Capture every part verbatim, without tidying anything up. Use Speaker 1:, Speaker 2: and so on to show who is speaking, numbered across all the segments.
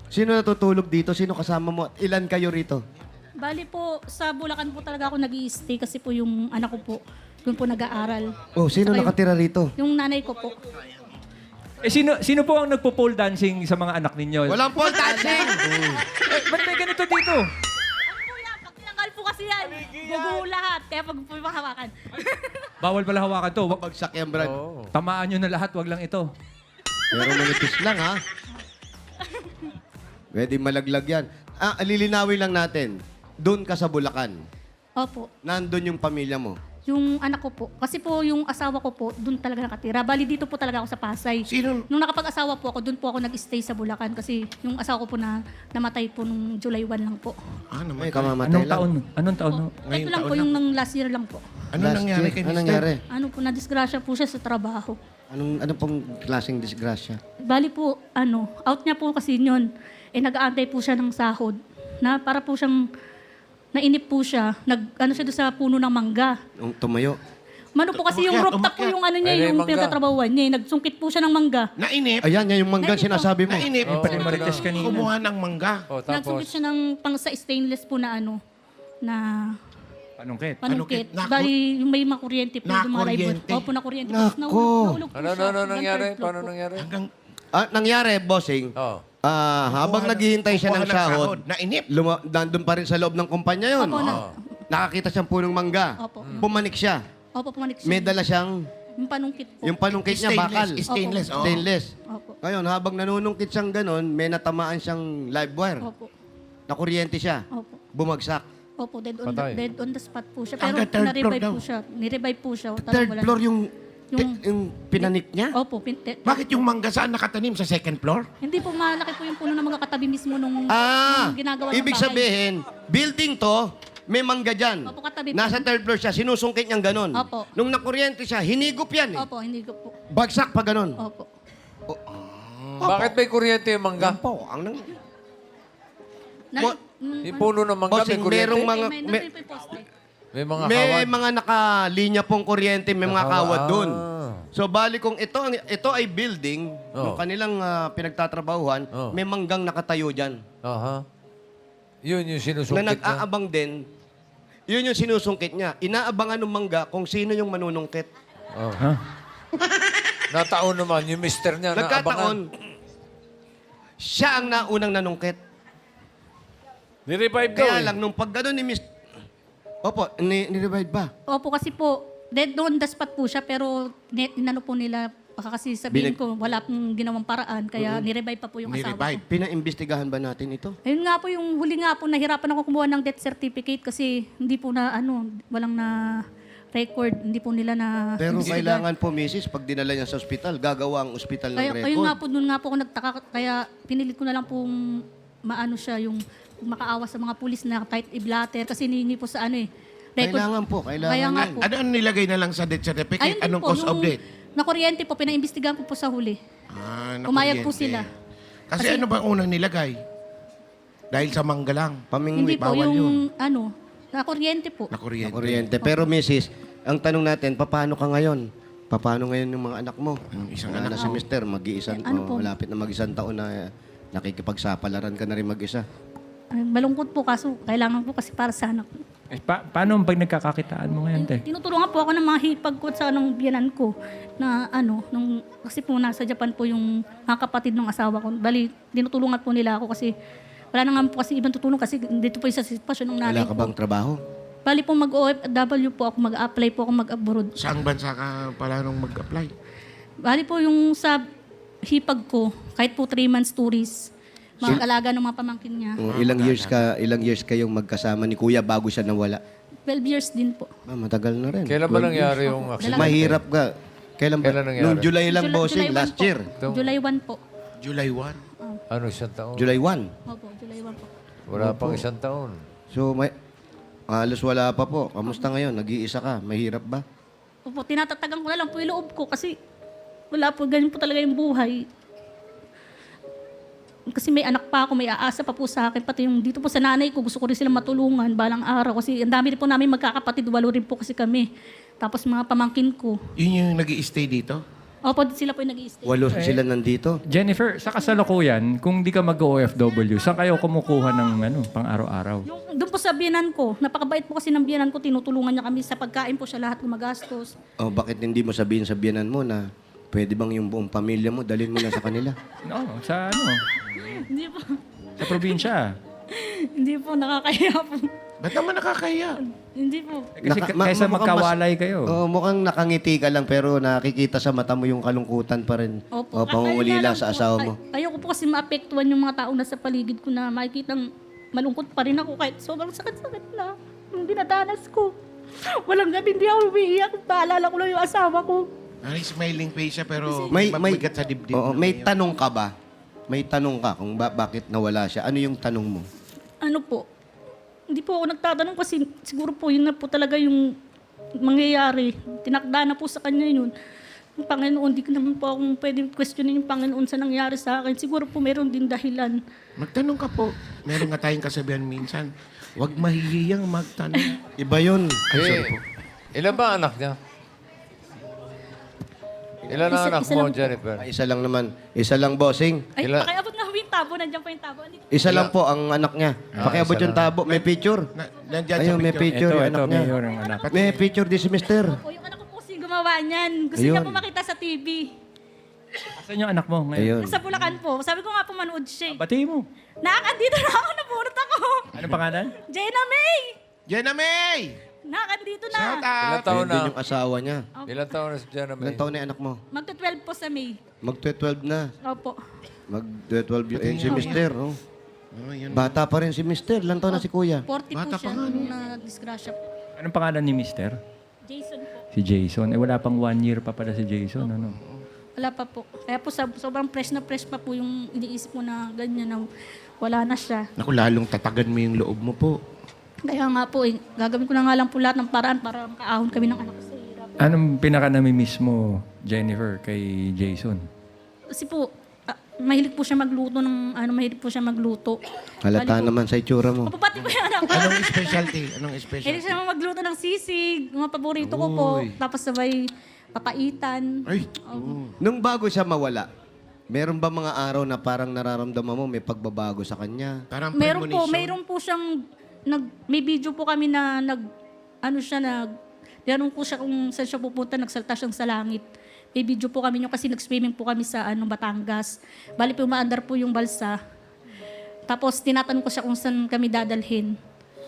Speaker 1: Sino natutulog dito? Sino kasama mo? Ilan kayo rito?
Speaker 2: Bali po, sa Bulacan po talaga ako nag-i-stay kasi po yung anak ko po, doon po nag-aaral.
Speaker 1: Oh, sino
Speaker 2: Saka yung-
Speaker 1: nakatira rito?
Speaker 2: Yung nanay ko po.
Speaker 3: Eh, sino, sino po ang nagpo-pole dancing sa mga anak ninyo?
Speaker 1: Walang pole dancing!
Speaker 3: Eh, ba't may ganito dito?
Speaker 2: Kuya, pag tinanggal po kasi yan, guguho lahat. Kaya pag po hawakan.
Speaker 3: Bawal pala hawakan to. Wag-
Speaker 1: Bagsak yan, Brad.
Speaker 3: Tamaan nyo na lahat, wag lang ito.
Speaker 1: Pero manipis lang, ha? Pwede malaglag yan. Ah, lilinawin lang natin. Doon ka sa Bulacan.
Speaker 2: Opo.
Speaker 1: Nandun yung pamilya mo.
Speaker 2: Yung anak ko po. Kasi po yung asawa ko po, doon talaga nakatira. Bali dito po talaga ako sa Pasay.
Speaker 4: Sino?
Speaker 2: Nung nakapag-asawa po ako, doon po ako nag-stay sa Bulacan. Kasi yung asawa ko po na namatay po nung July first lang po.
Speaker 4: Ah,
Speaker 1: Ay,
Speaker 4: naman.
Speaker 1: kamamatay
Speaker 3: Anong
Speaker 1: lang.
Speaker 3: taon? Anong taon?
Speaker 2: Po,
Speaker 4: Ngayong
Speaker 2: ito lang
Speaker 4: taon
Speaker 2: po,
Speaker 4: lang.
Speaker 2: yung nang last year lang po.
Speaker 4: Ano
Speaker 1: Last
Speaker 4: nangyari
Speaker 1: year.
Speaker 4: kay
Speaker 1: Anong
Speaker 4: Mister?
Speaker 1: nangyari?
Speaker 2: Ano po, na-disgrasya po siya sa trabaho.
Speaker 1: Anong, ano pong klaseng disgrasya?
Speaker 2: Bali po, ano, out niya po kasi yun. Eh, nag-aantay po siya ng sahod. Na para po siyang, nainip po siya. Nag, ano siya doon sa puno ng mangga.
Speaker 1: Yung tumayo?
Speaker 2: Mano po kasi yung
Speaker 4: Umakyat,
Speaker 2: rooftop po
Speaker 4: umakyat.
Speaker 2: yung ano niya,
Speaker 5: Ay,
Speaker 2: yung
Speaker 5: mangga.
Speaker 2: pinagtatrabahuan niya. eh. Nagsungkit po siya ng mangga.
Speaker 4: Nainip?
Speaker 1: Ayan, yan yung mangga
Speaker 2: Ganito.
Speaker 1: sinasabi mo.
Speaker 4: Nainip?
Speaker 3: Yung pa rin marites kanina.
Speaker 4: Kumuha ng mangga.
Speaker 5: Oh, tapos,
Speaker 2: Nagsungkit siya ng pang sa stainless po na ano, na
Speaker 3: Anong ket?
Speaker 2: panungkit.
Speaker 4: Panungkit. Naku-
Speaker 2: Bali, yung may makuryente po. yung mga ribbon.
Speaker 4: Nakuryente.
Speaker 2: Opo, nakuryente.
Speaker 1: Nako.
Speaker 2: Tapos nahulog, nahulog po
Speaker 5: ano,
Speaker 2: siya.
Speaker 5: ano, ano
Speaker 2: hanggang
Speaker 5: nangyari?
Speaker 2: third floor
Speaker 5: Paano
Speaker 2: po.
Speaker 5: nangyari?
Speaker 4: Hanggang
Speaker 1: Ah, nangyari, bossing,
Speaker 5: Oh.
Speaker 1: ah, habang
Speaker 4: Kukuha ng-
Speaker 1: naghihintay siya ng
Speaker 4: kukuha
Speaker 1: sahod,
Speaker 4: Nainip?
Speaker 1: luma- nandun pa rin sa loob ng kumpanya yun.
Speaker 2: Opo, na,
Speaker 1: Nakakita siyang punong mangga.
Speaker 2: Opo.
Speaker 1: Pumanik siya.
Speaker 2: Opo, pumanik siya.
Speaker 1: May dala siyang,
Speaker 2: Yung panungkit po.
Speaker 1: yung panungkit niya, bakal.
Speaker 4: Stainless. Stainless. oo.
Speaker 1: Stainless.
Speaker 2: Opo.
Speaker 1: Ngayon, habang nanunungkit siyang ganon, may natamaan siyang live wire.
Speaker 2: Opo.
Speaker 1: Nakuryente siya.
Speaker 2: Opo.
Speaker 1: Bumagsak.
Speaker 2: Opo, dead on, the,
Speaker 5: Patay.
Speaker 2: dead on the spot po siya. Pero
Speaker 4: Hanggang third floor
Speaker 2: na-revive
Speaker 4: daw.
Speaker 2: po siya. Ni-revive po siya. Talagang
Speaker 1: Third
Speaker 2: wala
Speaker 1: floor
Speaker 2: na.
Speaker 1: yung,
Speaker 2: Yung-
Speaker 1: yung, yung pinanik niya?
Speaker 2: Opo. Pin, te-
Speaker 4: Bakit yung mangga saan nakatanim? Sa second floor?
Speaker 2: Hindi po malaki po yung puno na mga katabi mismo nung,
Speaker 1: Ah,
Speaker 2: nung ginagawa ng
Speaker 1: ibig
Speaker 2: bahay.
Speaker 1: sabihin, building to, may mangga dyan.
Speaker 2: Opo, katabi po.
Speaker 1: Nasa third floor siya, sinusungkit niyang ganon.
Speaker 2: Opo.
Speaker 1: Nung nakuryente siya, hinigop yan eh.
Speaker 2: Opo, hindi ko po.
Speaker 1: Bagsak pa ganon.
Speaker 2: Opo.
Speaker 5: Bakit may kuryente yung mangga?
Speaker 1: Yan po, ang nang...
Speaker 2: Na,
Speaker 1: Bo-
Speaker 2: mm,
Speaker 5: Yung puno ng mangga, may
Speaker 1: Bossing,
Speaker 5: kuryente?
Speaker 1: merong
Speaker 2: eh,
Speaker 1: mga...
Speaker 2: may,
Speaker 1: May,
Speaker 2: nandun po yung poste.
Speaker 5: May mga
Speaker 1: may
Speaker 5: kawan?
Speaker 1: mga nakalinya pong kuryente, may mga
Speaker 5: Nakawa-
Speaker 1: kawad doon.
Speaker 5: ah.
Speaker 1: So, bali kung ito, ang- ito ay building,
Speaker 5: Oh.
Speaker 1: yung kanilang ah, pinagtatrabahuhan,
Speaker 5: Oh.
Speaker 1: may manggang nakatayo dyan.
Speaker 5: Aha. Yun yung
Speaker 1: Na
Speaker 5: sinusungkit niya.
Speaker 1: nag-aabang din, yun yung sinusungkit niya. Inaabangan ng mangga kung sino yung manunungkit.
Speaker 5: Oh.
Speaker 3: Ha?
Speaker 5: Nataon naman, yung mister niya na abangan.
Speaker 1: Nagkataon, siya ang naunang nanungkit.
Speaker 5: Nirevive daw
Speaker 1: Kaya
Speaker 5: eh.
Speaker 1: lang, nung pag gano'n ni Miss... Opo, ni, ni-revive ba?
Speaker 2: Opo, kasi po, dead on the spot po siya, pero ni, inano po nila, baka kasi sabihin
Speaker 1: Binag-
Speaker 2: ko, wala pong ginawang paraan, kaya ni-revive pa po yung asawa
Speaker 4: Ni-revive.
Speaker 2: ko.
Speaker 1: Pinaimbestigahan ba natin ito?
Speaker 2: Ayun nga po, yung huli nga po, nahirapan ako kumuha ng death certificate kasi hindi po na, ano, walang na record, hindi po nila na...
Speaker 1: Pero
Speaker 2: imbestigahan.
Speaker 1: kailangan po, Missus pag dinala niya sa ospital, gagawa ang ospital ng
Speaker 2: Kaya,
Speaker 1: record.
Speaker 2: ayun nga po, doon nga po ako nagtaka, kaya pinilit ko na lang pong maano siya, yung makaawa sa mga pulis na kahit i-blatter, kasi hinihingi po sa ano eh, record.
Speaker 1: Kailangan po, kailangan
Speaker 2: Kaya nga
Speaker 1: yan.
Speaker 2: po.
Speaker 4: Ano ang nilagay na lang sa death certificate?
Speaker 2: Ayun din
Speaker 4: Anong
Speaker 2: po,
Speaker 4: cause of
Speaker 2: yung
Speaker 4: death?
Speaker 2: nakuryente po, pinaimbestigahan ko po sa huli.
Speaker 4: Ah,
Speaker 2: Umayag po
Speaker 4: nakuryente.
Speaker 2: sila.
Speaker 4: Kasi, ano ba unang nilagay? Dahil sa mangga lang.
Speaker 1: Pamingwit.
Speaker 2: Hindi po,
Speaker 4: bawal
Speaker 2: yung
Speaker 4: yun.
Speaker 2: ano, nakuryente po.
Speaker 4: Nakuryente.
Speaker 1: Kuryente. Pero Missus, ang tanong natin, paano ka ngayon? Paano ngayon yung mga anak mo?
Speaker 4: Yung isang
Speaker 1: Wala
Speaker 4: anak
Speaker 1: na si Mister, mag-iisang,
Speaker 2: Eh, ano
Speaker 1: oh,
Speaker 2: po?
Speaker 1: malapit na mag-isang taon na eh, nakikipagsapalaran ka na rin mag-isa.
Speaker 2: Ay, malungkot po, kaso kailangan po kasi para sa anak ko.
Speaker 3: Eh, pa- paano pag nagkakakitaan mo ngayon, te?
Speaker 2: Tinutulungan po ako ng mga hipag ko sa anong biyanan ko na ano, nung, kasi po nasa Japan po yung mga kapatid ng asawa ko. Bali, tinutulungan po nila ako kasi wala na nga po kasi ibang tutulong kasi dito po yung sa sitwasyon ng nanay
Speaker 1: Wala ka
Speaker 2: ko.
Speaker 1: bang trabaho?
Speaker 2: Bali po mag-O F W po ako, mag-apply po ako mag-abroad.
Speaker 4: Saang bansa ka pala nung mag-apply?
Speaker 2: Bali po yung sa hipag ko, kahit po three months tourist, mag-alaga ng mga pamangkin niya.
Speaker 1: Oh, ilang years ka, ilang years kayong magkasama ni Kuya bago siya nawala?
Speaker 2: twelve years din po.
Speaker 1: Ah, matagal na rin.
Speaker 5: Kailan ba
Speaker 1: twelve
Speaker 5: nangyari
Speaker 1: years.
Speaker 5: yung
Speaker 2: Dalawa.
Speaker 5: accident?
Speaker 1: Mahirap ka. Kailan ba?
Speaker 5: Kailan nangyari?
Speaker 1: Noong July lang,
Speaker 2: July-
Speaker 1: bossing,
Speaker 2: July one
Speaker 1: last
Speaker 2: po.
Speaker 1: year.
Speaker 5: Ito.
Speaker 2: July first po.
Speaker 4: July first?
Speaker 5: Ano, isang taon?
Speaker 1: July first.
Speaker 2: Opo, July first po.
Speaker 5: Wala pang isang taon.
Speaker 1: So, may, halos wala pa po. Kamusta ngayon? Nag-iisa ka. Mahirap ba?
Speaker 2: Opo, tinatatagan ko na lang po yung loob ko kasi wala po, ganyan po talaga yung buhay. Kasi may anak pa ako, may aasa pa po sa akin. Pati yung dito po sa nanay ko, gusto ko rin silang matulungan balang araw. Kasi ang dami rin po namin magkakapatid, walo rin po kasi kami. Tapos mga pamangkin ko.
Speaker 4: Yun yung nag stay dito?
Speaker 2: Opo, sila po yung nag-i-stay.
Speaker 1: Walo sila nandito.
Speaker 3: Jennifer, sa kasalukuyan, kung di ka mag-O F W, saan kayo kumukuha ng ano, pang araw-araw?
Speaker 2: Yung, doon po sa biyanan ko, napakabait po kasi ng biyanan ko, tinutulungan niya kami sa pagkain po siya lahat gumagastos.
Speaker 1: Oh, bakit hindi mo sabihin sa biyanan mo na pwede bang yung buong pamilya mo, dalhin mo na sa kanila?
Speaker 3: No, sa ano,
Speaker 2: Hindi po,
Speaker 3: sa probinsya.
Speaker 2: hindi po, nakakaya po.
Speaker 4: Ba't naman nakakahiya?
Speaker 2: Hindi po.
Speaker 3: Eh, Kasi
Speaker 1: Naka-
Speaker 3: ka-
Speaker 1: ma-
Speaker 3: kaysa
Speaker 1: mukhang
Speaker 3: magkawalay
Speaker 1: mas-
Speaker 3: kayo.
Speaker 1: Oo, mukhang nakangiti ka lang pero nakikita sa mata mo yung kalungkutan pa rin.
Speaker 2: Opo.
Speaker 1: O pangungulila
Speaker 2: Ayun nga lang
Speaker 1: sa
Speaker 2: po,
Speaker 1: asawa
Speaker 2: ay-
Speaker 1: mo.
Speaker 2: Ayoko po kasi maapektuhan yung mga taong nasa paligid ko na makikitang malungkot pa rin ako kahit sobrang sakit-sakit na yung dinadanas ko. Walang gabi hindi ako umiiyak. Paalala ko lang yung asawa ko.
Speaker 4: Ay, smiling face siya pero
Speaker 1: May may
Speaker 4: magbigat sa dibdib.
Speaker 1: Oo,
Speaker 4: na
Speaker 1: may
Speaker 4: ngayon.
Speaker 1: tanong ka ba? May tanong ka kung ba- bakit nawala siya. Ano yung tanong mo?
Speaker 2: Ano po, hindi po ako nagtatanong kasi siguro po yun na po talaga yung mangyayari. Tinakda na po sa kanya yun. Yung Panginoon, di ko naman po akong pwedeng questionin yung Panginoon sa nangyari sa akin. Siguro po meron din dahilan.
Speaker 4: Magtanong ka po. Meron nga tayong kasabihan minsan. Huwag mahihiyang magtanong.
Speaker 1: Iba yun.
Speaker 4: Ay, sorry
Speaker 5: Eh,
Speaker 4: po.
Speaker 5: ilan ba anak niya? Ilan ang
Speaker 2: Isa-
Speaker 5: anak
Speaker 2: isa
Speaker 5: mo,
Speaker 2: lang po.
Speaker 5: Jennifer?
Speaker 1: Ah, Isa lang naman. Isa lang, bossing.
Speaker 2: Ay,
Speaker 5: Ilan?
Speaker 2: pakiabot nga po yung tabo. Nandiyan pa yung tabo. Andito.
Speaker 1: Isa lang po ang anak niya.
Speaker 5: Ah,
Speaker 1: Pakiabot
Speaker 5: isa
Speaker 1: yung
Speaker 5: lang.
Speaker 1: tabo. May picture.
Speaker 4: Na, nandyan
Speaker 1: Ayun,
Speaker 4: sa
Speaker 1: may
Speaker 4: picture.
Speaker 1: picture
Speaker 3: Ito,
Speaker 1: yung
Speaker 3: ito,
Speaker 1: anak niya.
Speaker 3: mayor ang anak.
Speaker 1: May picture din si mister.
Speaker 2: Po, yung anak ko po kasi gumawa niyan. Gusto
Speaker 1: Ayun.
Speaker 2: niya po makita sa T V.
Speaker 3: Asan yung anak mo ngayon?
Speaker 1: Ayun.
Speaker 2: Nasa Bulacan po. Sabi ko nga po manood siya. eh.
Speaker 3: Bati mo.
Speaker 2: Nakakandito na ako. Nabunot ako.
Speaker 3: Anong pangalan?
Speaker 2: Jenna May!
Speaker 4: Jenna May!
Speaker 2: Nakakandito na.
Speaker 4: Shout
Speaker 5: Ilan
Speaker 4: out!
Speaker 5: taon
Speaker 1: Ayun
Speaker 5: na?
Speaker 1: din yung asawa niya.
Speaker 5: Ilan taon na si Jenna May?
Speaker 1: Ilan taon na yung anak mo?
Speaker 2: Magto-twelve po sa May.
Speaker 1: Mag-twelve na.
Speaker 2: Opo.
Speaker 1: Mag-twelve yun. Ayun si mister. Oh.
Speaker 4: Oh, yun.
Speaker 1: Bata pa rin si mister. Ilan taon na si kuya?
Speaker 2: forty
Speaker 4: Bata
Speaker 2: po siya
Speaker 4: pa nga,
Speaker 2: nung na-disgrasya po.
Speaker 3: Anong pangalan ni mister?
Speaker 2: Jason po.
Speaker 3: Si Jason. Eh, wala pang one year pa pala si Jason. Ano?
Speaker 2: Wala pa po. Kaya po sab- sobrang fresh na fresh pa po yung iniisip mo na ganyan na wala na siya.
Speaker 4: Naku, lalong tatagan mo yung loob mo po.
Speaker 2: Kaya nga po, eh, gagawin ko na nga lang po lahat ng paraan para makaahon kami ng anak ko sa hirap.
Speaker 3: Anong pinaka namimiss mo, Jennifer, kay Jason?
Speaker 2: Kasi po, ah, mahilig po siya magluto ng, ano, mahilig po siya magluto.
Speaker 1: Halata
Speaker 2: Bali po-
Speaker 1: naman sa itsura mo.
Speaker 2: Mapapati po yung anak ko.
Speaker 4: Anong specialty? Anong
Speaker 2: Mahilig
Speaker 4: specialty?
Speaker 2: siya magluto ng sisig, mga paborito ko po.
Speaker 4: Uy.
Speaker 2: Tapos sabay papaitan.
Speaker 4: Ay,
Speaker 1: Nung bago siya mawala, meron ba mga araw na parang nararamdaman mo may pagbabago sa kanya?
Speaker 4: parang
Speaker 2: Meron po,
Speaker 4: premonition.
Speaker 2: meron po siyang nag may video po kami na nag ano siya nag tinanong ko siya kung saan siya pupunta, nagsalta siyang sa langit. May video po kami nyo kasi nag-swimming po kami sa ano Batangas. Bali po umaandar po yung balsa. Tapos tinatanong ko siya kung saan kami dadalhin.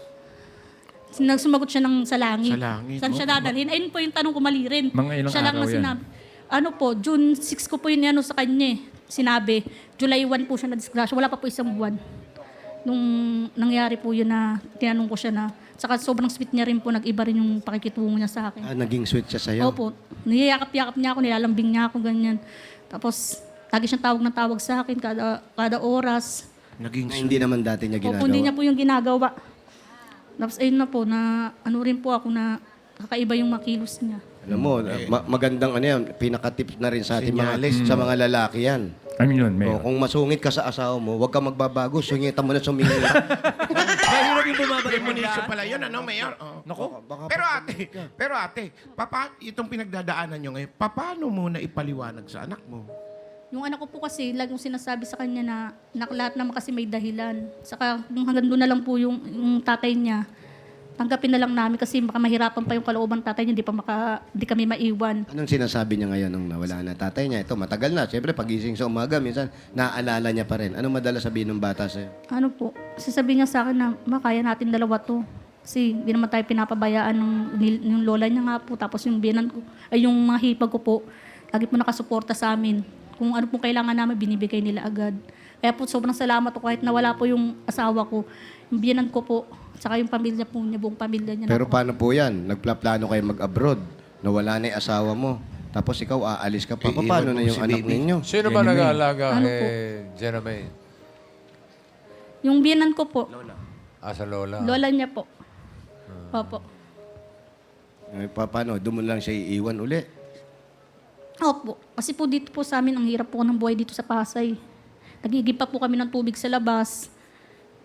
Speaker 2: Nagsumagot siya ng sa langit.
Speaker 4: Sa langit.
Speaker 2: Saan siya dadalhin? Ayun po yung tanong ko mali rin.
Speaker 3: Mga ilang
Speaker 2: siya lang
Speaker 3: araw
Speaker 2: na
Speaker 3: yan?
Speaker 2: sinabi. Ano po, June six ko po yun ano sa kanya eh. Sinabi. July one po siya na-disgrasya. Wala pa po isang buwan. Nung nangyari po yun na tinanong ko siya na, saka sobrang sweet niya rin po, nag-iba rin yung pakikitungo niya sa akin.
Speaker 1: Ah, naging sweet siya sa'yo?
Speaker 2: Opo, niyayakap-yakap niya ako, nilalambing niya ako, ganyan. Tapos, lagi siyang tawag na tawag sa akin kada, kada oras.
Speaker 4: Naging
Speaker 1: Na hindi naman dati niya
Speaker 2: Opo,
Speaker 1: ginagawa.
Speaker 2: hindi niya po yung ginagawa. Tapos, ayun na po, na ano rin po ako na kakaiba yung makilos niya.
Speaker 1: Alam mo, ma- magandang ano yan, pinaka-tips na rin sa ating mga,
Speaker 4: Senyales.
Speaker 1: sa mga lalaki yan.
Speaker 3: Ano yun,
Speaker 1: O,
Speaker 3: Mayor?
Speaker 1: kung masungit ka sa asawa mo, huwag ka magbabago, sungitan mo na sumingi.
Speaker 3: Mahirap yung bumabalik
Speaker 4: premonition pala yun, ano, Mayor? Oh.
Speaker 3: Nako.
Speaker 4: Pero ate, pero ate, papa, itong pinagdadaanan nyo ngayon, paano mo na ipaliwanag sa anak mo?
Speaker 2: Yung anak ko po kasi, lagi yung sinasabi sa kanya na, na lahat naman kasi may dahilan. Saka kung hanggang doon na lang po yung, yung tatay niya, tanggapin na lang namin kasi baka mahirapan pa yung kalooban ng tatay niya, hindi pa maka, hindi kami maiwan.
Speaker 1: Anong sinasabi niya ngayon nung nawala na tatay niya? Ito, matagal na. Siyempre, pagising sa umaga, minsan, naaalala niya pa rin. Anong madalas sabihin ng bata sa'yo?
Speaker 2: Ano po, sasabihin niya sa akin na, ma, kaya natin dalawa to. Kasi hindi naman tayo pinapabayaan ng nil- yung lola niya nga po, tapos yung biyanan ko, ay yung mga hipag ko po, lagi po nakasuporta sa amin. Kung ano pong kailangan namin, binibigay nila agad. Kaya po, sobrang salamat po kahit nawala po yung asawa ko, yung biyanan ko po, saka yung pamilya po niya, buong pamilya niya.
Speaker 1: Pero
Speaker 2: na po.
Speaker 1: paano po yan? Nagplaplano kayo mag-abroad. Nawala na yung asawa mo. Tapos ikaw, aalis ka pa.
Speaker 4: Iiwan
Speaker 1: Paano
Speaker 4: mo
Speaker 1: na yung
Speaker 4: si
Speaker 1: anak
Speaker 4: baby.
Speaker 1: ninyo?
Speaker 5: Sino ba
Speaker 3: Jenna May.
Speaker 5: nag-aalaga
Speaker 2: Ano
Speaker 5: kay
Speaker 2: po?
Speaker 5: Jenna May?
Speaker 2: Yung biyanan ko po,
Speaker 5: Ah, sa lola.
Speaker 2: lola niya po. Opo.
Speaker 1: Eh, pa, paano? Doon mo lang siya iiwan uli.
Speaker 2: Opo. Kasi po dito po sa amin, ang hirap po ng buhay dito sa Pasay. Nagigib pa po kami ng tubig sa labas.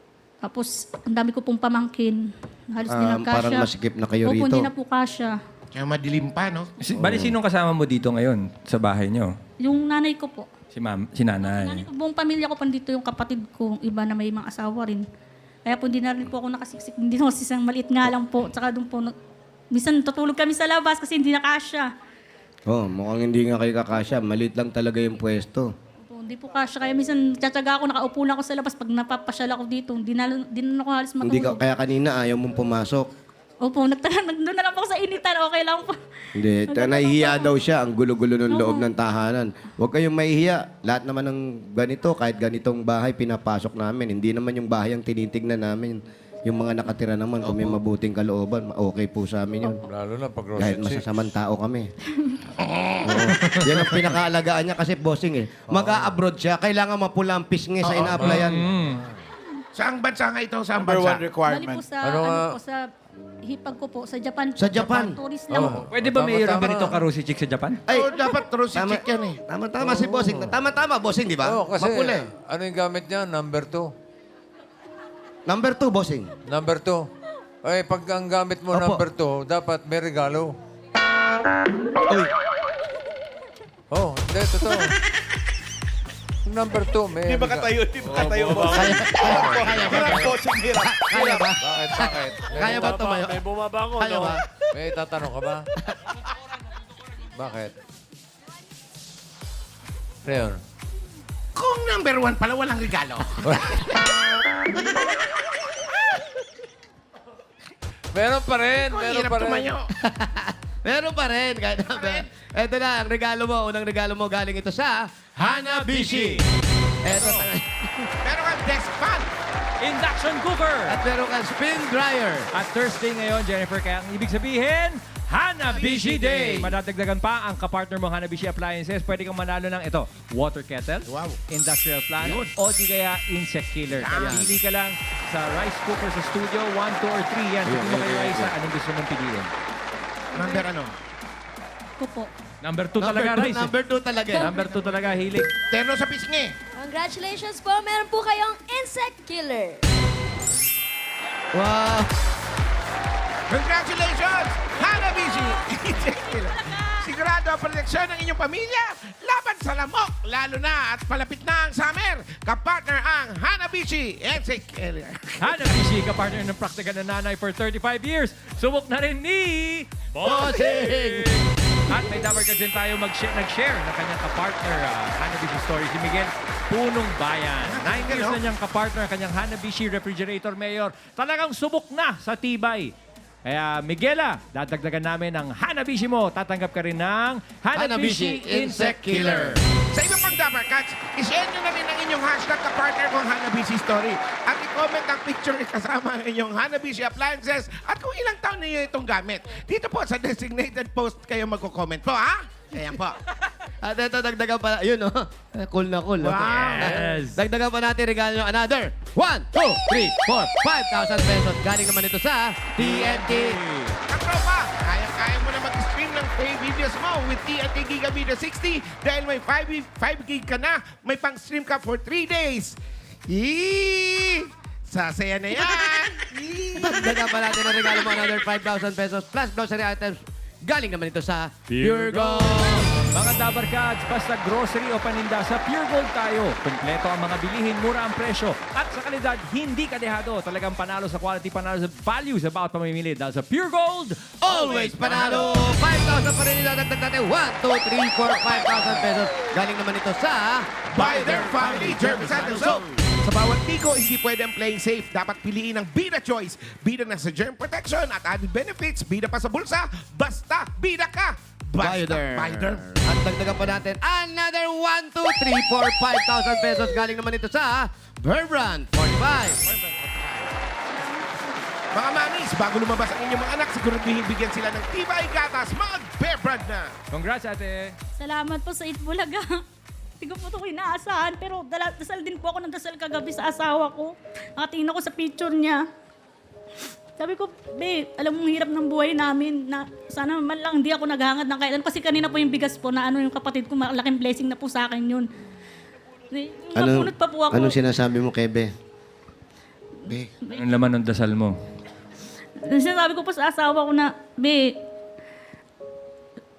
Speaker 2: Tapos, ang dami ko pong pamangkin. Halos di
Speaker 1: Ah,
Speaker 2: na kasya.
Speaker 1: parang masikip na kayo
Speaker 2: Opo,
Speaker 1: rito.
Speaker 2: hindi na po kasya.
Speaker 4: Kaya madilim pa, no?
Speaker 3: Si, bali, sinong kasama mo dito ngayon sa bahay nyo?
Speaker 2: Yung nanay ko po.
Speaker 3: Si, ma'am, si nanay.
Speaker 2: Nanay ko, buong pamilya ko pa dito, yung kapatid ko, iba na may mga asawa rin. Kaya po hindi na rin po ako nakasiksik. Hindi na kasi isang maliit nga lang po. Tsaka doon po, na- minsan tutulog kami sa labas kasi hindi nakasya.
Speaker 1: Oh, mukhang hindi nga kayo kakasya. Maliit lang talaga yung pwesto.
Speaker 2: Po, hindi po kasya. Kaya minsan tsatsaga ako, nakaupo lang ako sa labas. Pag napapasyal ako dito, hindi na, hindi na ako halos
Speaker 1: Hindi ka,
Speaker 2: matulog.
Speaker 1: kaya kanina ayaw mong pumasok.
Speaker 2: Opo, nagtanan, nandun na lang po ako sa initan. Okay lang po.
Speaker 1: Hindi, ta- nahihiya daw siya. Ang gulo-gulo ng loob ng tahanan. Huwag kayong mahihiya. Lahat naman ng ganito, kahit ganitong bahay, pinapasok namin. Hindi naman yung bahay ang tinitignan namin. Yung mga nakatira naman, kung may mabuting kalooban, okay po sa amin yun.
Speaker 5: Lalo na pag
Speaker 1: Kahit
Speaker 5: Rosie.
Speaker 1: masasamang tao kami. Oo. Yan ang pinakaalagaan niya kasi bossing eh. Mag-a-abroad siya, kailangan mapula ang pisngi sa ina-applyan.
Speaker 4: Saang bansa nga ito? Saang
Speaker 6: Number one
Speaker 4: bansa?
Speaker 2: Bali
Speaker 6: requirement.
Speaker 2: po sa,
Speaker 5: Ano
Speaker 2: ano,
Speaker 5: nga?
Speaker 2: po, sa hipag ko po, sa Japan. po.
Speaker 1: Sa Japan?
Speaker 2: Tourist lang po.
Speaker 3: Pwede ba
Speaker 5: Tama,
Speaker 3: mayroon
Speaker 5: tama.
Speaker 3: ganito karusi chick sa Japan?
Speaker 1: Ay,
Speaker 4: Oo, dapat Rosie
Speaker 1: tama,
Speaker 4: chick yan eh.
Speaker 1: tama-tama si bossing. Tama-tama, bossing, di ba?
Speaker 5: Oo, kasi
Speaker 1: Mapula eh.
Speaker 5: ano yung gamit niya? Number two.
Speaker 1: Number two, bossing.
Speaker 5: Number two. Ay, pag ang gamit mo
Speaker 1: Opo.
Speaker 5: number two, dapat may regalo.
Speaker 1: Uy,
Speaker 5: Oh, hindi, totoo. Yung number two, may
Speaker 6: Di ba
Speaker 5: rega-
Speaker 6: katayo? Di ba katayo, boss?
Speaker 1: kaya, kaya, kaya,
Speaker 6: Hirap, boss. Hirap.
Speaker 1: kaya ba?
Speaker 5: Bakit, bakit? May,
Speaker 1: Kaya ba tumayo?
Speaker 6: May bumabangon,
Speaker 1: Kaya
Speaker 6: no?
Speaker 1: ba?
Speaker 5: may tatanong ka ba? Bakit? Ano yun?
Speaker 4: Kung number one pala, walang regalo.
Speaker 5: Meron pa rin,
Speaker 4: Kung
Speaker 5: meron
Speaker 4: hirap
Speaker 5: pa rin.
Speaker 4: tumayo.
Speaker 1: Meron pa rin. Kahit na, ito na, ang regalo mo. Unang regalo mo galing ito sa Hanabishi. Ito,
Speaker 4: Meron kang desk fan.
Speaker 3: Induction cooker!
Speaker 1: at meron kang spin dryer.
Speaker 3: At Thursday ngayon, Jennifer, kaya ang ibig sabihin, Hanabishi Day! Madadagdagan pa ang kapartner mo Hanabishi Appliances. Pwede kang manalo ng ito, water kettle,
Speaker 4: Wow.
Speaker 3: industrial fan, o di kaya insect killer. Kaya
Speaker 4: Yan.
Speaker 3: pili ka lang sa rice cooker sa studio, one, two, or three. Yan, sabi mo kay Raisa, anong gusto mong piliin?
Speaker 4: Number ano?
Speaker 2: Ko po.
Speaker 3: Number two
Speaker 1: Number
Speaker 3: talaga,
Speaker 1: two,
Speaker 3: Rice. eh.
Speaker 1: number two talaga. eh.
Speaker 3: Number two talaga, hilig.
Speaker 4: Terno sa pisngi.
Speaker 7: Congratulations po, meron po kayong insect killer.
Speaker 1: Wow.
Speaker 4: Congratulations! Hanabishi! Sigurado ang proteksyon ng inyong pamilya laban sa lamok, lalo na at palapit na ang summer. Kapartner ang Hanabishi Insect Killer.
Speaker 3: Hanabishi, kapartner ng praktikal na nanay for thirty-five years. Subok na rin ni
Speaker 1: Bossing!
Speaker 3: At may dapat din tayo mag-share, nag-share ng kanyang kapartner, uh, Hanabishi Story, si Miguel Punong Bayan. Nine years na niyang kapartner, kanyang Hanabishi Refrigerator Mayor. Talagang subok na sa tibay. Kaya Miguela, dadagdagan namin ng Hanabishi mo. Tatanggap ka rin ng Hanabishi,
Speaker 1: Hanabishi
Speaker 3: Insect
Speaker 1: Insect
Speaker 3: Killer.
Speaker 4: Sa iba pang Dapper Cats, ishare nyo na rin ang inyong hashtag kapartner kong Hanabishi Story. At i-comment ang picture kasama ang inyong Hanabishi Appliances at kung ilang taon niyo itong gamit. Dito po sa designated post kayo magko-comment po, ha? Ayan po.
Speaker 1: At ito, dagdagan pa. Yun, oh. Eh, Cool na cool. oh.
Speaker 4: Wow.
Speaker 3: Yes.
Speaker 1: Dagdagan pa natin regalo nyo another one, two, three, four, five thousand pesos. Galing naman ito sa T N T.
Speaker 4: Katropa, kaya-kaya mo na mag-stream ng free videos mo with T N T Giga Video sixty dahil may five gig ka na, may pang-stream ka for three days. Yee! Sasaya na yan! Yee!
Speaker 1: Dagdagan pa natin ang regalo mo another five thousand pesos plus grocery items. Galing naman ito sa Pure Gold.
Speaker 3: Mga Dabar Cats, basta grocery o paninda, sa Pure Gold tayo. Kompleto ang mga bilihin, mura ang presyo. At sa kalidad, hindi kadehado. Talagang panalo sa quality, panalo sa value sa bawat pamimili. Dahil sa Pure Gold,
Speaker 1: Always panalo! five thousand pa rin nilalagdag natin. one, two, three, four, five thousand pesos. Galing naman ito sa
Speaker 4: By their family germicidal soap. Sa bawat tiko, hindi pwede ang playing safe. Dapat piliin ang Bida Choice. Bida na sa germ protection at added benefits. Bida pa sa bulsa. Basta, bida ka! Basta,
Speaker 1: Bioderm.
Speaker 4: Bioderm.
Speaker 1: At dagdagan pa natin another one, two, three, four, five thousand pesos. Galing naman ito sa Verbrand forty-five.
Speaker 4: Mga mamis, bago lumabas ang inyong mga anak, siguraduhin bigyan sila ng tibay gatas. Mag-Bear Brand na!
Speaker 3: congrats ate.
Speaker 2: Salamat po sa Itbulaga. Hindi ko po ito inaasahan, pero dala, dasal din po ako ng dasal kagabi sa asawa ko. Nakatingin ako sa picture niya. Sabi ko, babe, alam mong hirap ng buhay namin na sana man lang hindi ako naghahangad ng kahit ano. Kasi kanina po yung bigas po na ano yung kapatid ko, malaking blessing na po sa akin yun. Napunot pa po ako.
Speaker 1: Anong sinasabi mo, Kebe?
Speaker 4: Be,
Speaker 3: Anong laman ng dasal mo?
Speaker 2: Sinasabi ko po sa asawa ko na, be,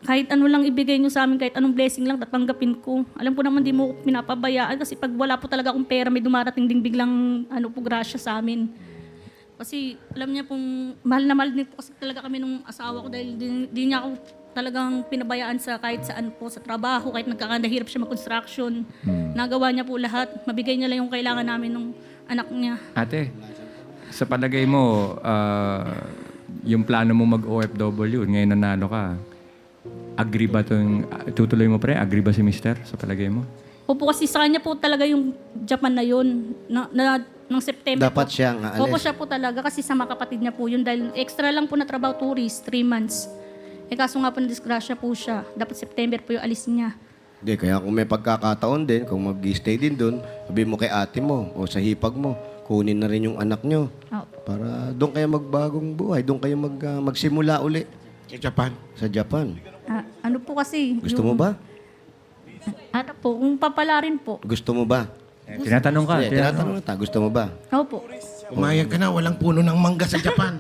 Speaker 2: kahit ano lang ibigay nyo sa amin, kahit anong blessing lang, tatanggapin ko. Alam ko naman, di mo ko pinapabayaan kasi pag wala po talaga akong pera, may dumarating ding biglang ano po, grasya sa amin. Kasi alam niya pong, mahal na mahal din po kasi talaga kami nung asawa ko dahil di, di niya ako talagang pinabayaan sa kahit saan po, sa trabaho, kahit nagkakandahirap siya mag-construction. Nagawa niya po lahat. Mabigay niya lang yung kailangan namin nung anak niya.
Speaker 8: Ate, sa palagay mo, ah, yung plano mo mag-O F W, ngayon nanalo ka, agree ba itong, tutuloy mo pre? Agree ba si mister sa palagay mo?
Speaker 2: Opo, kasi sa kanya po talaga yung Japan na yun, na, na, ng September
Speaker 1: Dapat
Speaker 2: po.
Speaker 1: siyang aalis.
Speaker 2: Opo, siya po talaga kasi sa mga kapatid niya po yun dahil extra lang po na trabaho tourist, three months. Eh kaso nga po na-disgrasya po siya. Dapat September po yung alis niya.
Speaker 1: Hindi, kaya kung may pagkakataon din, kung mag-stay din doon, sabi mo kay ate mo o sa hipag mo, kunin na rin yung anak nyo.
Speaker 2: Opo.
Speaker 1: Para doon kayo magbagong buhay, doon kayo mag, ah, magsimula uli
Speaker 4: Sa Japan.
Speaker 1: sa Japan.
Speaker 2: Ah, ano po kasi?
Speaker 1: Gusto
Speaker 2: yung-
Speaker 1: mo ba?
Speaker 2: Ano po, kung papalarin po.
Speaker 1: Gusto mo ba?
Speaker 8: Eh, tinatanong ka.
Speaker 1: Sige,
Speaker 8: tinatanong.
Speaker 1: tinatanong kita, gusto mo ba?
Speaker 2: Opo.
Speaker 4: Umayag ka na, walang puno ng mangga sa Japan.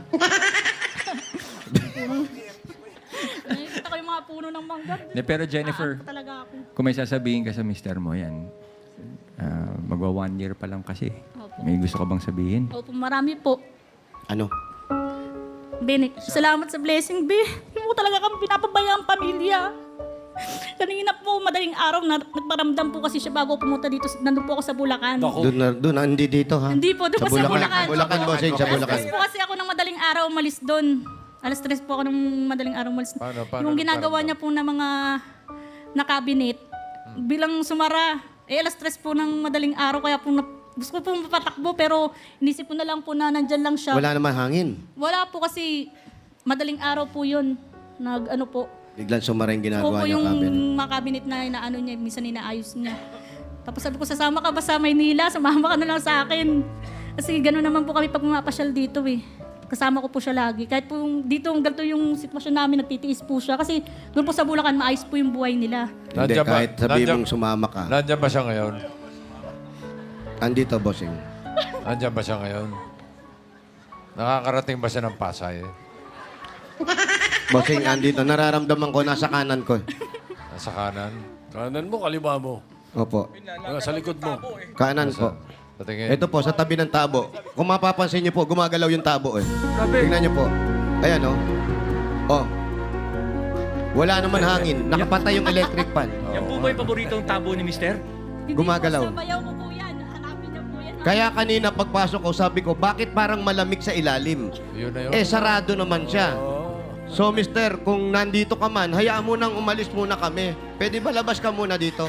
Speaker 2: Nakikita ko yung mga puno ng mangga.
Speaker 8: Ne, pero Jennifer,
Speaker 2: Aanto talaga ako.
Speaker 8: kung may sasabihin ka sa mister mo, yan, ah, magwa one year pa lang kasi.
Speaker 2: Opo.
Speaker 8: May gusto ka bang sabihin?
Speaker 2: Opo, marami po.
Speaker 1: Ano?
Speaker 2: Bene, salamat sa blessing, Be. Hindi mo talaga kami pinapabaya ang pamilya. Kanina po, madaling araw, na, nagparamdam po kasi siya bago pumunta dito. Nandun po ako sa Bulacan.
Speaker 1: Doon na, doon na, hindi dito ha?
Speaker 2: Hindi po, doon
Speaker 1: sa
Speaker 2: po sa
Speaker 1: Bulacan.
Speaker 2: Bulacan.
Speaker 1: Bulacan, bossing, sa
Speaker 2: Alas
Speaker 1: Bulacan.
Speaker 2: tres po kasi ako ng madaling araw umalis doon. Alas tres po ako ng madaling araw umalis.
Speaker 5: Paano- paano
Speaker 2: Yung ginagawa
Speaker 5: nagparamdam?
Speaker 2: niya po na mga na cabinet, bilang sumara, eh alas tres po ng madaling araw, kaya po na, gusto ko po mapatakbo, pero inisip ko na lang po na nandyan lang siya.
Speaker 1: Wala naman hangin.
Speaker 2: Wala po kasi madaling araw po yun. Nag ano po.
Speaker 1: Biglang sumara yung
Speaker 2: Opo,
Speaker 1: ginagawa niya
Speaker 2: yung
Speaker 1: cabinet.
Speaker 2: mga cabinet na inaano niya, minsan inaayos niya. Tapos sabi ko, sasama ka ba sa Maynila? Sumama ka na lang sa akin. Kasi gano'n naman po kami pag pumapasyal dito eh. Kasama ko po siya lagi. Kahit po yung, dito, ganito yung sitwasyon namin, nagtitiis po siya. Kasi doon po sa Bulacan, maayos po yung buhay nila.
Speaker 1: Hindi,
Speaker 5: Nandiyan ba-
Speaker 1: kahit sabihin
Speaker 5: nandiyan-
Speaker 1: mong sumama ka.
Speaker 5: Nandiyan ba siya ngayon?
Speaker 1: Andito, bossing.
Speaker 5: Nandiyan ba siya ngayon? Nakakarating ba siya ng Pasay?
Speaker 1: Bossing, andito. Nararamdaman ko, nasa kanan ko.
Speaker 5: Nasa kanan?
Speaker 6: Kanan mo, kaliwa mo.
Speaker 1: Opo.
Speaker 6: Ah, sa likod mo.
Speaker 1: Kanan po.
Speaker 5: Patingin.
Speaker 1: Ito po, sa tabi ng tabo. Kung mapapansin niyo po, gumagalaw yung tabo eh. Tingnan niyo po. Ayan oh. Oh. Wala naman hangin. Nakapatay yung electric fan.
Speaker 3: Yan po ba yung paboritong tabo ni mister?
Speaker 2: Hindi
Speaker 1: Gumagalaw.
Speaker 2: po, sabayaw ko po yan. Hanapin niyo po yan.
Speaker 1: Kaya kanina pagpasok ko, sabi ko, bakit parang malamig sa ilalim?
Speaker 5: Yun na yun.
Speaker 1: Eh, sarado naman siya. So, mister, kung nandito ka man, hayaan mo nang umalis muna kami. Pwede ba labas ka muna dito?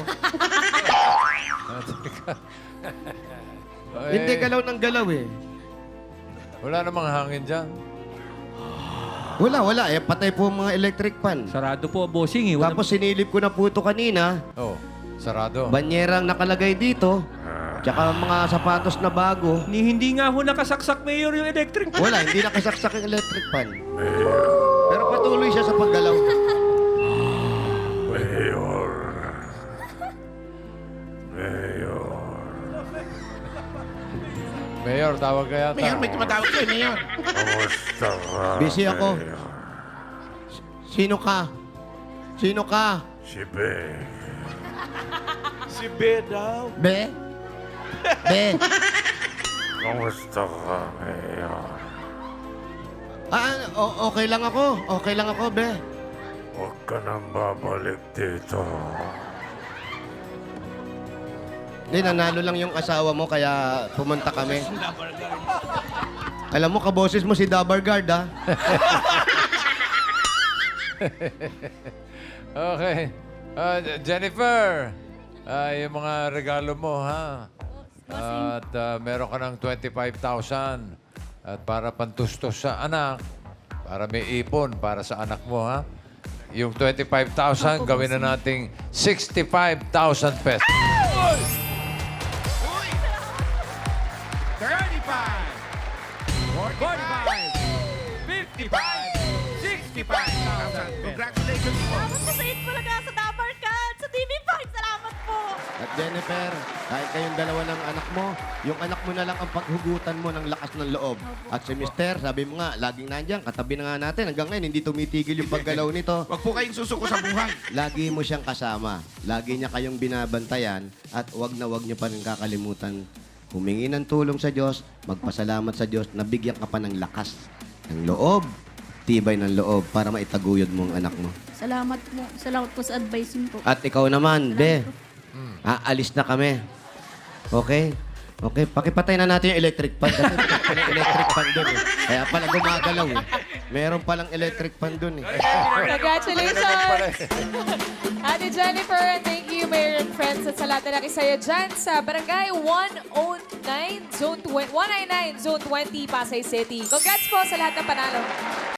Speaker 5: Eh,
Speaker 1: Hindi galaw ng galaw eh.
Speaker 5: Wala namang hangin dyan.
Speaker 1: Wala, wala. Eh, patay po ang mga electric fan.
Speaker 3: Sarado po, bossing eh. Wala-
Speaker 1: Tapos sinilip ko na po ito kanina.
Speaker 5: Oh, sarado.
Speaker 1: Banyerang nakalagay dito. Tsaka mga sapatos na bago.
Speaker 3: Ni hindi nga ho nakasaksak mayor yung electric.
Speaker 1: Wala, hindi nakasaksak yung electric fan. Pero patuloy siya sa paggalaw.
Speaker 5: Mayor, tawag ka yata.
Speaker 4: Mayor, may tumatawag kayo, Mayor.
Speaker 1: Busy ako. S- Sino ka? Sino ka?
Speaker 6: Si Be daw.
Speaker 1: Be? Be?
Speaker 6: Kamusta ka, Mayor?
Speaker 1: Ah, o- okay lang ako. Okay lang ako, Be.
Speaker 6: Huwag ka nang babalik dito.
Speaker 1: Hindi, nanalo lang yung asawa mo, kaya pumunta kami. Alam mo, kaboses mo si Dabargard, ha?
Speaker 5: Okay. Ah, Jennifer, ah, yung mga regalo mo, ha? At ah, meron ka ng twenty-five thousand. At para pantustos sa anak, para may ipon para sa anak mo, ha? Yung twenty-five thousand, gawin na nating sixty-five thousand pesos.
Speaker 4: thirty-five, forty-five, fifty-five, sixty-five thousand. Congratulations po.
Speaker 2: Salamat po sa Eat Bulaga, sa Dabarkad, sa T V five. Salamat po.
Speaker 1: At Jennifer, kahit kayong dalawa ng anak mo, yung anak mo na lang ang paghugutan mo ng lakas ng loob. At si Mister, sabi mo nga, laging nandyan, katabi na nga natin. Hanggang ngayon, hindi tumitigil yung paggalaw nito.
Speaker 4: Huwag po kayong susuko sa buhay.
Speaker 1: Lagi mo siyang kasama. Lagi niya kayong binabantayan at wag na wag niyo pa rin kakalimutan humingi ng tulong sa Diyos, magpasalamat sa Diyos, nabigyan ka pa ng lakas, ng loob, tibay ng loob para maitaguyod mo ang anak mo.
Speaker 2: Salamat po. Salamat po sa advising po.
Speaker 1: At ikaw naman, Be, aalis na kami. Okay? Okay, pakipatay na natin yung electric fan. Kasi meron palang electric fan doon eh. Kaya pala gumagalaw eh. Meron palang electric fan doon eh.
Speaker 9: Congratulations! Ate Jennifer, and thank you, Mayor and friends, at sa lahat na nakisaya dyan sa Barangay one oh nine, Zone twenty, one ninety-nine, Zone twenty, Pasay City. Congrats po sa lahat ng panalo.